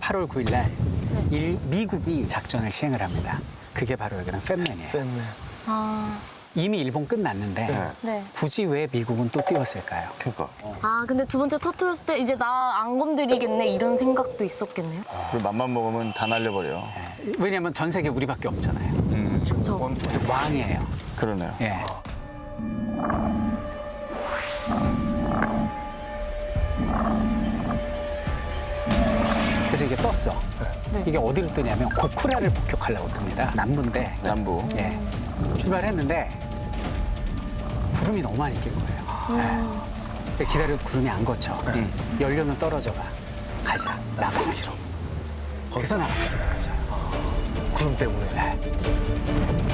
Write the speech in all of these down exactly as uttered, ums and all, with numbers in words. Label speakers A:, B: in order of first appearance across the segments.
A: 팔월 구일 날 일, 미국이 작전을 시행을 합니다. 그게 바로 여기는 팻맨이에요.
B: 뺐네.
C: 아,
A: 이미 일본 끝났는데
D: 네.
C: 네.
A: 굳이 왜 미국은 또 띄웠을까요?
D: 그러니까.
C: 아, 근데 두 번째 터트렸을 때 이제 나 안 건드리겠네 이런 생각도 있었겠네요.
B: 그 맘만 먹으면 다 날려버려.
A: 예, 왜냐하면 전 세계 우리밖에 없잖아요.
B: 음,
C: 그렇죠.
A: 왕이에요.
B: 그러네요.
A: 예. 그래서 이게 떴어.
C: 네.
A: 이게 어디로 뜨냐면 고쿠라를 폭격하려고 뜹니다. 남부인데.
B: 남부.
A: 예. 출발했는데 구름이 너무 많이 낀 거예요. 예. 기다려도 구름이 안 거쳐.
B: 음.
A: 연료는 떨어져 가. 가자. 나가사키로. 거기서 나가사키로 가자.
B: 구름 때문에.
A: 네.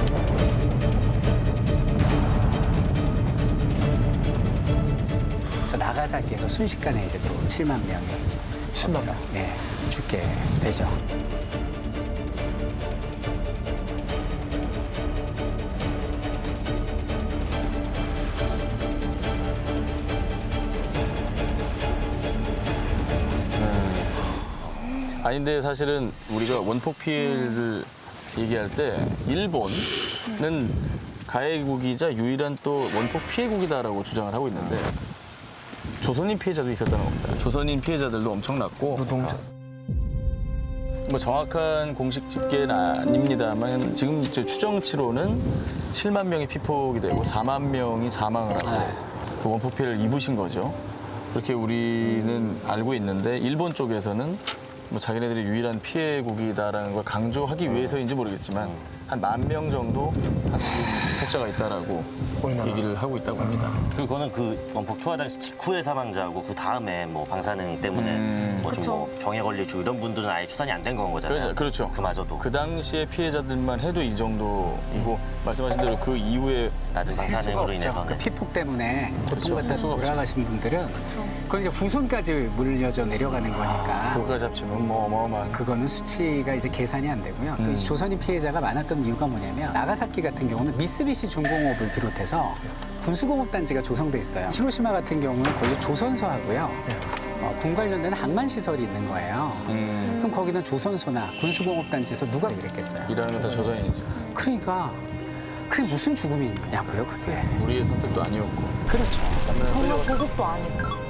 A: 그래서 나가사키에서 순식간에 이제 또 칠만 명이
B: 칠만 명?
A: 예, 죽게 되죠.
B: 아니 근데 사실은 우리가 원폭 피해를 얘기할 때 일본은 가해국이자 유일한 또 원폭 피해국이다라고 주장을 하고 있는데 조선인 피해자도 있었다는 겁니다. 조선인 피해자들도 엄청났고
D: 노동자.
B: 뭐 정확한 공식 집계는 아닙니다만 지금 이제 추정치로는 칠만 명이 피폭이 되고 사만 명이 사망을 하고 그 원폭 피해를 입으신 거죠. 그렇게 우리는 알고 있는데 일본 쪽에서는 뭐 자기네들이 유일한 피해국이다라는 걸 강조하기 위해서인지 모르겠지만 한 만 명 정도 한국인 피폭자가 있다라고 얘기를 하고 있다고 합니다.
E: 그거는 그 원폭 투하 당시 직후의 사망자고 그 다음에 뭐 방사능 때문에
B: 음.
E: 뭐 좀
C: 그쵸.
E: 뭐 병에 걸리고 이런 분들은 아예 추산이 안 된 건 거잖아요.
B: 그렇죠. 그렇죠.
E: 그마저도
B: 그 당시에 피해자들만 해도 이 정도이고 말씀하신 대로 그 이후에
E: 낮은
A: 셀 수가
E: 방사능으로
A: 없죠.
E: 인해서는
A: 그 피폭 때문에
B: 그렇죠.
A: 고통받다
B: 셀 수가
A: 돌아가신 분들은 그건 이제 후손까지 물려져 내려가는 거니까
B: 그거까지 합치면 뭐 어마어마한
A: 그거는 수치가 이제 계산이 안 되고요. 또
B: 음.
A: 이 조선인 피해자가 많았던 이유가 뭐냐면 나가사키 같은 경우는 미쓰비시 중공업을 비롯해서 군수공업 단지가 조성돼 있어요. 히로시마 같은 경우는 거기 조선소하고요. 어, 군 관련된 항만 시설이 있는 거예요.
B: 음,
A: 그럼 거기는 조선소나 군수공업 단지에서 누가 일했겠어요?
B: 일하는 건 다 조선인이죠.
A: 그러니까 그게 무슨 죽음이냐고요, 그게.
B: 우리의 선택도 아니었고.
A: 그렇죠.
C: 정말 조국도 아니고.